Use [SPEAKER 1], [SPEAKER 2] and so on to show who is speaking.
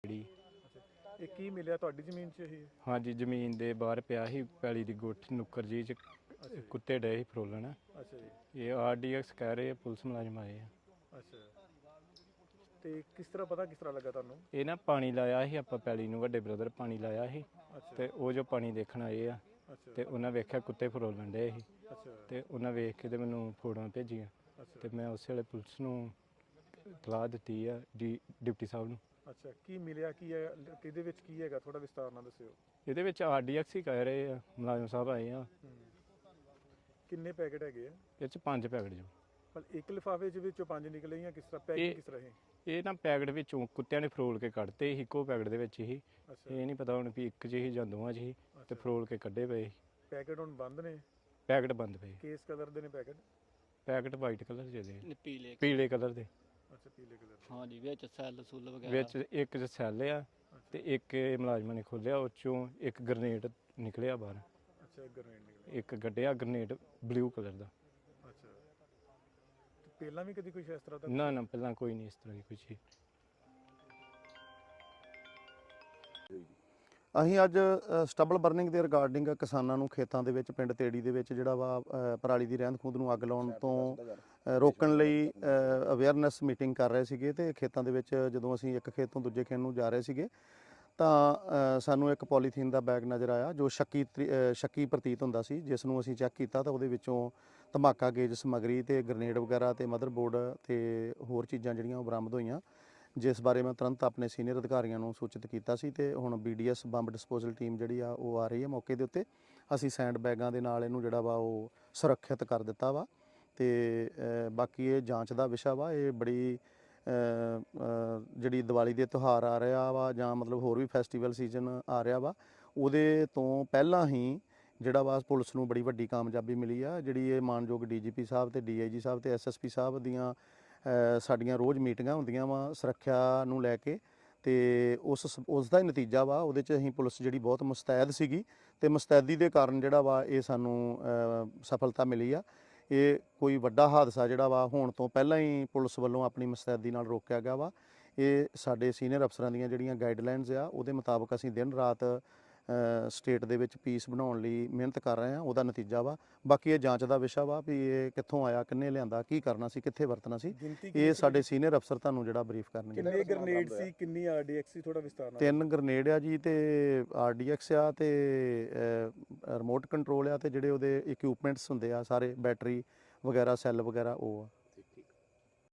[SPEAKER 1] ਇਹ ਕੀ ਮਿਲਿਆ ਤੁਹਾਡੀ ਜ਼ਮੀਨ 'ਚ ਇਹ?
[SPEAKER 2] ਹਾਂਜੀ, ਜ਼ਮੀਨ ਦੇ ਬਾਹਰ ਪਿਆ ਸੀ ਪੈਲੀ ਦੀ ਗੁੱਠ ਨੁੱਕਰ ਜੀ 'ਚ ਕੁੱਤੇ ਡਏ ਸੀ ਫਰੋਲਣ।
[SPEAKER 1] ਅੱਛਾ ਜੀ।
[SPEAKER 2] ਇਹ RDX ਕਹਿ ਰਹੇ ਆ, ਪੁਲਿਸ ਮੁਲਾਜ਼ਮ ਆਏ ਆ।
[SPEAKER 1] ਅੱਛਾ, ਤੇ ਕਿਸ ਤਰ੍ਹਾਂ ਲੱਗਾ ਤੁਹਾਨੂੰ?
[SPEAKER 2] ਇਹ ਨਾ ਪਾਣੀ ਲਾਇਆ ਸੀ ਆਪਾਂ ਪੈਲੀ ਨੂੰ, ਵੱਡੇ ਬ੍ਰਦਰ ਪਾਣੀ ਲਾਇਆ ਸੀ
[SPEAKER 1] ਅੱਛਾ।
[SPEAKER 2] ਤੇ ਉਹ ਜੋ ਪਾਣੀ ਦੇਖਣ ਆਏ ਆ
[SPEAKER 1] ਅੱਛਾ।
[SPEAKER 2] ਤੇ ਉਹਨਾਂ ਵੇਖਿਆ ਕੁੱਤੇ ਫਰੋਲਣ ਡਏ ਸੀ
[SPEAKER 1] ਅੱਛਾ।
[SPEAKER 2] ਤੇ ਉਹਨਾਂ ਵੇਖ ਕੇ ਤੇ ਮੈਨੂੰ ਫੋਟੋਆਂ ਭੇਜੀਆਂ
[SPEAKER 1] ਅੱਛਾ।
[SPEAKER 2] ਤੇ ਮੈਂ ਉਸੇ ਵੇਲੇ ਪੁਲਿਸ ਨੂੰ ਇਤਲਾਹ ਦਿੱਤੀ ਆ, ਡਿਪਟੀ ਸਾਹਿਬ ਨੂੰ।
[SPEAKER 1] ਅੱਛਾ, ਕੀ ਮਿਲਿਆ ਕੀ ਹੈ, ਕਿਹਦੇ ਵਿੱਚ ਕੀ ਹੈਗਾ, ਥੋੜਾ ਵਿਸਤਾਰ ਨਾਲ ਦੱਸਿਓ।
[SPEAKER 2] ਇਹਦੇ ਵਿੱਚ RDX ਹੀ ਕਹਿ ਰਹੇ ਆ, ਮੁਲਾਜ਼ਮ ਸਾਹਿਬ ਆਏ ਆ।
[SPEAKER 1] ਕਿੰਨੇ ਪੈਕੇਟ ਹੈਗੇ ਆ?
[SPEAKER 2] ਇਹ 'ਚ 5 ਪੈਕਟ ਜੋ।
[SPEAKER 1] ਪਰ ਇੱਕ ਲਿਫਾਫੇ ਦੇ ਵਿੱਚੋਂ 5 ਨਿਕਲੇ ਜਾਂ ਕਿਸ ਤਰ੍ਹਾਂ ਪੈਕਿੰਗ ਕਿਸ ਤਰ੍ਹਾਂ ਹੈ?
[SPEAKER 2] ਇਹ ਨਾ ਪੈਕਟ ਵਿੱਚੋਂ ਕੁੱਤਿਆਂ ਨੇ ਫਰੋਲ ਕੇ ਕੱਢਤੇ ਸੀ, ਇੱਕੋ ਪੈਕਟ ਦੇ ਵਿੱਚ ਹੀ। ਇਹ ਨਹੀਂ ਪਤਾ ਹੁਣ ਵੀ ਇੱਕ 'ਚ ਹੀ ਜਾਂ ਦੋਵਾਂ 'ਚ ਹੀ ਤੇ ਫਰੋਲ ਕੇ ਕੱਢੇ ਪਏ।
[SPEAKER 1] ਪੈਕੇਟ ਹੁਣ ਬੰਦ ਨੇ?
[SPEAKER 2] ਪੈਕਟ ਬੰਦ ਪਏ।
[SPEAKER 1] ਕਿਸ ਕਲਰ ਦੇ ਨੇ ਪੈਕੇਟ?
[SPEAKER 2] ਪੈਕਟ ਵਾਈਟ ਕਲਰ ਦੇ,
[SPEAKER 3] ਪੀਲੇ
[SPEAKER 2] ਕਲਰ ਦੇ।
[SPEAKER 1] ਅੱਛਾ, ਪੀਲੇ ਕਲਰ ਦੇ।
[SPEAKER 3] ਹਾਂਜੀ, ਵਿੱਚ ਸੈੱਲ ਸੁੱਲ ਵਗੈਰਾ
[SPEAKER 2] ਵਿੱਚ ਇੱਕ 'ਚ ਸੈੱਲ ਆ ਤੇ ਇੱਕ ਇਹ ਮੁਲਾਜ਼ਮਾਂ ਨੇ ਖੋਲਿਆ, ਉਹ 'ਚੋਂ ਇੱਕ ਗ੍ਰਨੇਡ ਨਿਕਲਿਆ ਬਾਹਰ।
[SPEAKER 1] ਅੱਛਾ, ਗ੍ਰਨੇਡ ਨਿਕਲਿਆ।
[SPEAKER 2] ਇੱਕ ਗੱਡਿਆ ਗ੍ਰਨੇਡ ਬਲੂ ਕਲਰ ਦਾ।
[SPEAKER 1] ਅੱਛਾ, ਤੇ ਪਹਿਲਾਂ ਵੀ ਕਦੀ ਕੁਝ ਇਸ ਤਰ੍ਹਾਂ ਦਾ?
[SPEAKER 2] ਨਾ ਪਹਿਲਾਂ ਕੋਈ ਨਹੀਂ ਇਸ ਤਰ੍ਹਾਂ ਦੀ ਕੋਈ ਚੀਜ਼।
[SPEAKER 4] ਅਸੀਂ ਅੱਜ ਸਟਬਲ ਬਰਨਿੰਗ ਦੇ ਰਿਗਾਰਡਿੰਗ ਕਿਸਾਨਾਂ ਨੂੰ ਖੇਤਾਂ ਦੇ ਵਿੱਚ ਪਿੰਡ ਤੇੜੀ ਦੇ ਵਿੱਚ ਜਿਹੜਾ ਵਾ ਪਰਾਲੀ ਦੀ ਰਹਿੰਦ ਖੂੰਹਦ ਨੂੰ ਅੱਗ ਲਾਉਣ ਤੋਂ ਰੋਕਣ ਲਈ ਅਵੇਅਰਨੈਸ ਮੀਟਿੰਗ ਕਰ ਰਹੇ ਸੀਗੇ ਤੇ ਖੇਤਾਂ ਦੇ ਵਿੱਚ ਜਦੋਂ ਅਸੀਂ ਇੱਕ ਖੇਤ ਤੋਂ ਦੂਜੇ ਖੇਤ ਨੂੰ ਜਾ ਰਹੇ ਸੀਗੇ ਤਾਂ ਸਾਨੂੰ ਇੱਕ ਪੋਲੀਥੀਨ ਦਾ ਬੈਗ ਨਜ਼ਰ ਆਇਆ ਜੋ ਸ਼ੱਕੀ ਪ੍ਰਤੀਤ ਹੁੰਦਾ ਸੀ, ਜਿਸ ਨੂੰ ਅਸੀਂ ਚੈੱਕ ਕੀਤਾ ਤਾਂ ਉਹਦੇ ਵਿੱਚੋਂ ਧਮਾਕਾ ਗੇਜ ਸਮੱਗਰੀ ਤੇ ਗ੍ਰਨੇਡ ਵਗੈਰਾ ਤੇ ਮਦਰਬੋਰਡ ਤੇ ਹੋਰ ਚੀਜ਼ਾਂ ਜਿਹੜੀਆਂ ਉਹ ਬਰਾਮਦ ਹੋਈਆਂ, ਜਿਸ ਬਾਰੇ ਮੈਂ ਤੁਰੰਤ ਆਪਣੇ ਸੀਨੀਅਰ ਅਧਿਕਾਰੀਆਂ ਨੂੰ ਸੂਚਿਤ ਕੀਤਾ ਸੀ ਤੇ ਹੁਣ BDS ਬੰਬ ਡਿਸਪੋਜ਼ਲ ਟੀਮ ਜਿਹੜੀ ਆ ਉਹ ਆ ਰਹੀ ਹੈ ਮੌਕੇ ਦੇ ਉੱਤੇ। ਅਸੀਂ ਸੈਂਡ ਬੈਗਾਂ ਦੇ ਨਾਲ ਇਹਨੂੰ ਜਿਹੜਾ ਵਾ ਉਹ ਸੁਰੱਖਿਅਤ ਕਰ ਦਿੱਤਾ ਵਾ ਤੇ ਬਾਕੀ ਇਹ ਜਾਂਚ ਦਾ ਵਿਸ਼ਾ ਵਾ। ਇਹ ਬੜੀ ਜਿਹੜੀ ਦੀਵਾਲੀ ਦੇ ਤਿਉਹਾਰ ਆ ਰਿਹਾ ਵਾ ਜਾਂ ਮਤਲਬ ਹੋਰ ਵੀ ਫੈਸਟੀਵਲ ਸੀਜ਼ਨ ਆ ਰਿਹਾ ਵਾ, ਉਹਦੇ ਤੋਂ ਪਹਿਲਾਂ ਹੀ ਜਿਹੜਾ ਵਾ ਪੁਲਿਸ ਨੂੰ ਬੜੀ ਵੱਡੀ ਕਾਮਯਾਬੀ ਮਿਲੀ ਆ। ਜਿਹੜੀ ਇਹ ਮਾਨਯੋਗ DGP ਸਾਹਿਬ ਤੇ DIG ਸਾਹਿਬ ਤੇ SSP ਸਾਹਿਬ ਦੀਆਂ ਸਾਡੀਆਂ ਰੋਜ਼ ਮੀਟਿੰਗਾਂ ਹੁੰਦੀਆਂ ਵਾ ਸੁਰੱਖਿਆ ਨੂੰ ਲੈ ਕੇ ਤੇ ਉਸ ਦਾ ਹੀ ਨਤੀਜਾ ਵਾ। ਉਹਦੇ 'ਚ ਅਸੀਂ ਪੁਲਿਸ ਜਿਹੜੀ ਬਹੁਤ ਮੁਸਤੈਦ ਸੀਗੀ ਤੇ ਮੁਸਤੈਦੀ ਦੇ ਕਾਰਨ ਜਿਹੜਾ ਵਾ ਇਹ ਸਾਨੂੰ ਸਫਲਤਾ ਮਿਲੀ ਆ। ਇਹ ਕੋਈ ਵੱਡਾ ਹਾਦਸਾ ਜਿਹੜਾ ਵਾ ਹੋਣ ਤੋਂ ਪਹਿਲਾਂ ਹੀ ਪੁਲਿਸ ਵੱਲੋਂ ਆਪਣੀ ਮੁਸਤੈਦੀ ਨਾਲ ਰੋਕਿਆ ਗਿਆ ਵਾ। ਇਹ ਸਾਡੇ ਸੀਨੀਅਰ ਅਫਸਰਾਂ ਦੀਆਂ ਜਿਹੜੀਆਂ ਗਾਈਡਲਾਈਨਸ ਆ ਉਹਦੇ ਮੁਤਾਬਕ ਅਸੀਂ ਦਿਨ ਰਾਤ ਸਟੇਟ ਦੇ ਵਿੱਚ ਪੀਸ ਬਣਾਉਣ ਲਈ ਮਿਹਨਤ ਕਰ ਰਹੇ ਹਾਂ, ਉਹਦਾ ਨਤੀਜਾ ਵਾ। ਬਾਕੀ ਇਹ ਜਾਂਚ ਦਾ ਵਿਸ਼ਾ ਵਾ ਵੀ ਇਹ ਕਿੱਥੋਂ ਆਇਆ, ਕਿੰਨੇ ਲਿਆਂਦਾ, ਕੀ ਕਰਨਾ ਸੀ, ਕਿੱਥੇ ਵਰਤਣਾ ਸੀ, ਇਹ ਸਾਡੇ ਸੀਨੀਅਰ ਅਫਸਰ ਤੁਹਾਨੂੰ ਜਿਹੜਾ ਬਰੀਫ ਕਰਨਗੇ।
[SPEAKER 1] ਕਿੰਨੇ ਗ੍ਰਨੇਡ ਸੀ, ਕਿੰਨੀ RDX ਸੀ, ਥੋੜਾ ਵਿਸਤਾਰ ਨਾਲ?
[SPEAKER 4] 3 ਗ੍ਰਨੇਡ ਆ ਜੀ ਤੇ RDX ਆ ਤੇ ਰਿਮੋਟ ਕੰਟਰੋਲ ਆ ਤੇ ਜਿਹੜੇ ਉਹਦੇ ਇਕਵਿਪਮੈਂਟਸ ਹੁੰਦੇ ਆ ਸਾਰੇ ਬੈਟਰੀ ਵਗੈਰਾ ਸੈੱਲ ਵਗੈਰਾ ਉਹ ਆ।